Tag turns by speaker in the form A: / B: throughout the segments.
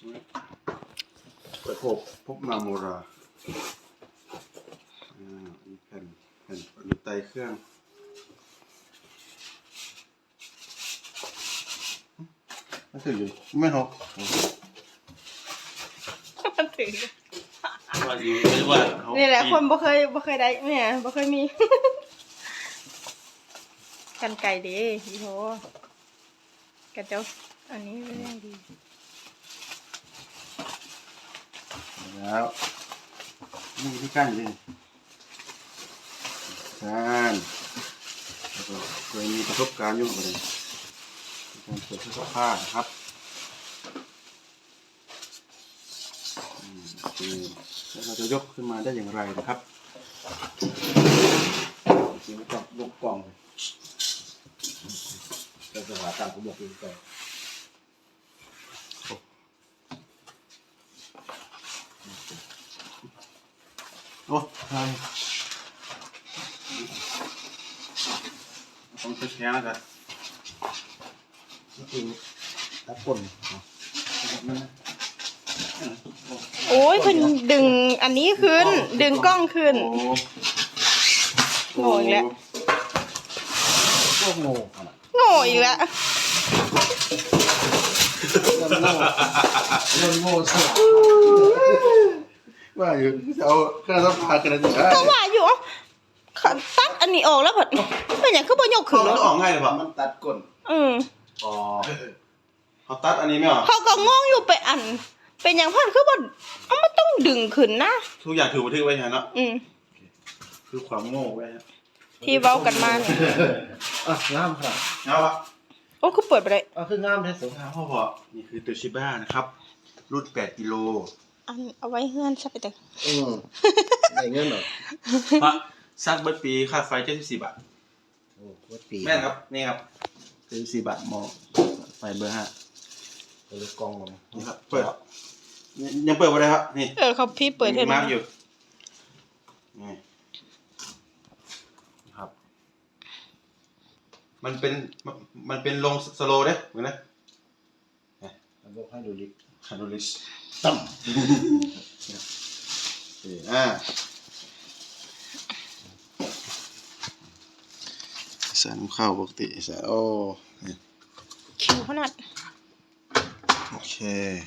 A: เปิดพบมาโมรานี่แผ่นมีไตเครื่องมันถืออยู่ไม่หก
B: มันถือ
A: ว่าอยู่ไม่ว่า
B: นี่แหละคนบ่เคยได้เนี่ยบ่เคยมีกันไก่เด้พี่โหกันเจ้าอันนี้เรื่องดี
A: แล้วนี่ที่กั้นเลยกั้นแล้วก็เคยมีประสบการณ์อยู่เหมือนกันการเปิดเสื้อผ้านะครับแล้วเราจะยกขึ้นมาได้อย่างไรนะครับจริงๆต้องยกกล่องจะสว่างตามผมบอกอยู่ก่อนโอ้ใช่ต้องใช้แค่นั้นกันนี่ตัดก้น
B: โอ้ยเพิ่นดึงอันนี้ขึ้นดึงกล้องขึ้นโง่อีกแล้ว
A: ก็โง่
B: โง่อีกแล้ว
A: โง่สุดว่าอยู่จะเอาเครื่องซักผ้ากันได้
B: ก็ว่าอยู่ตัดอันนี้ออกแล้วเพิ่นเป็นหยังคือบ่ยกขึ้น
A: มันออกง่ายเลยป่ะมันตัดก้นอ๋อเขาตัดอันนี้ไม่หรอ
B: เขาก็งงอยู่ไปอันเป็นหยังเพิ่นคือบ่เอามันต้องดึงขึ้นนะ
A: ทุกอย่างถือบันทึกไว้ใช่เนาะคือความโง่ไว้
B: ที่เว้ากันมาเนี่ย
C: งามครับ
A: งามวะ
B: โอ้คือเปิดไปได้
C: คืองามแท้สุด
A: พ่อนี่คือตัวชิบ้านะครับรุ่น8 กิโล
B: เอาไว้เฮือนซะไปเด้อ
C: ได้เงินเหรอ
A: พระซักเบิดปีค่าไฟ74 บาท
C: โอ้เบิดปี
A: แม่นครับนี่ครับ74 บาทหมอไฟเบอร์5
C: ตัวกล่อง
A: นี่ครับเปิดยังเปิดบ่ได้ครับนี่
B: เขาพี่เปิดเท่า
A: นั้นอยู่นี่ครับมันเป็นลงสโลว์เด้เหมือนนะ
C: ระบบให้ดูลิ
A: ตั้มใส่น้ำข้าวปกติใส่โอ้
B: คิวขนาด
A: โอเค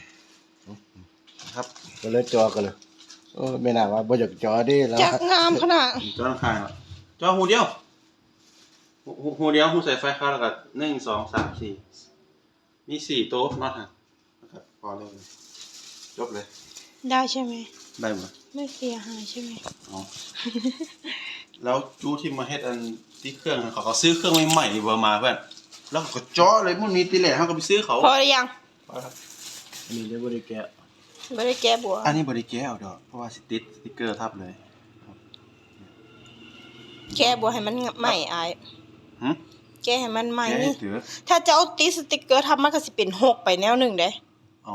A: ครับ
C: ก็เลยจอกันเลยไม่น่าว่าบ่อยากจอดิแล้ว
B: จักงามขนาด
A: จอข้างจอหูเดียวหูใส่ไฟเข้าแล้วก็1 2 3 4มี4 โต๊ะน็อตฮะนะครับพอเลยจบเลย
B: ได้ใช่ไหม
A: ได้หมด
B: ไม่เสียหายใช่ไหม
A: อ๋อแล้วจู้ที่มาเฮ็ดอันที่เครื่องเขาซื้อเครื่องใหม่ๆเบอร์มาเพื่อนแล้วเขาก็เจาะเลยพวกนี้ตีแหล่เขาก็ไปซื้อเขา
B: พอหรือยัง
A: พอครับ
C: อันนี้เรียกว่าได้แกะ
B: ไม่ได้แก้บัว
A: อันนี้บริแก้เอาดอกเพราะว่าติดสติ๊กเกอร์ทับเลย
B: แก้บัวให้มันใหม่อายแก้ให้มันใหม่นี่
A: ถือ
B: ถ้าจะเอาติดสติ๊กเกอร์ทับมันก็สิเป็น6ไปแนวหนึ่งเด้